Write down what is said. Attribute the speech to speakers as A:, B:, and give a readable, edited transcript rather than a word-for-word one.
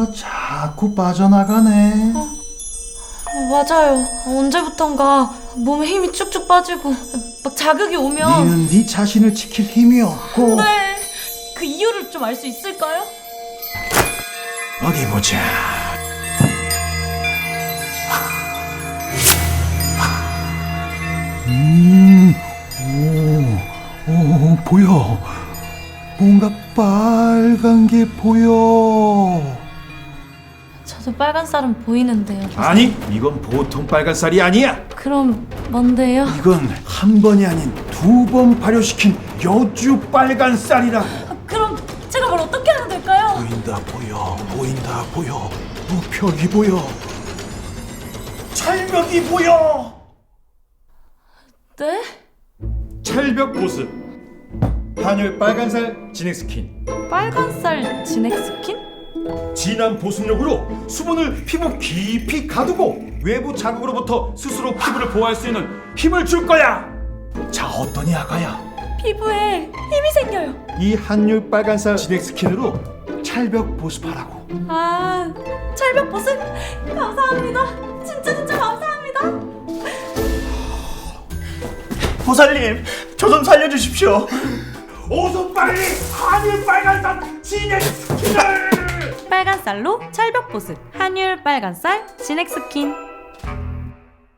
A: 뭐가 자꾸 빠져나가네.
B: 맞아요. 언제부턴가 몸에 힘이 쭉쭉 빠지고 막 자극이 오면
A: 니는 네 자신을 지킬 힘이 없고.
B: 네. 그 이유를 좀 알 수 있을까요?
A: 어디 보자. 오, 보여. 뭔가 빨간 게 보여.
B: 저도 빨간 쌀은 보이는데요.
A: 아니, 이건 보통 빨간 쌀이 아니야.
B: 그럼 뭔데요?
A: 이건 한 번이 아닌 2번 발효시킨 여주 빨간 쌀이라.
B: 그럼 제가 뭘 어떻게 하면 될까요?
A: 보인다 보여, 보인다 보여. 우벽이 보여. 철벽이 보여.
B: 네?
C: 찰벽 보습 한율 빨간살 진액 스킨.
B: 빨간 쌀 진액 스킨?
C: 진한 보습력으로 수분을 피부 깊이 가두고 외부 자극으로부터 스스로 피부를 보호할 수 있는 힘을 줄 거야.
A: 자, 어떠니 아가야?
B: 피부에 힘이 생겨요.
C: 이 한율 빨간살 진액 스킨으로
A: 찰벽 보습하라고.
B: 아, 철벽 보습 감사합니다. 진짜 감사합니다.
D: 보살님, 저 좀 살려주십시오.
C: 어서 빨리 한율 빨간살 진액 스킨을.
B: 빨간 쌀로 철벽 보습 한율 빨간 쌀 진액 스킨.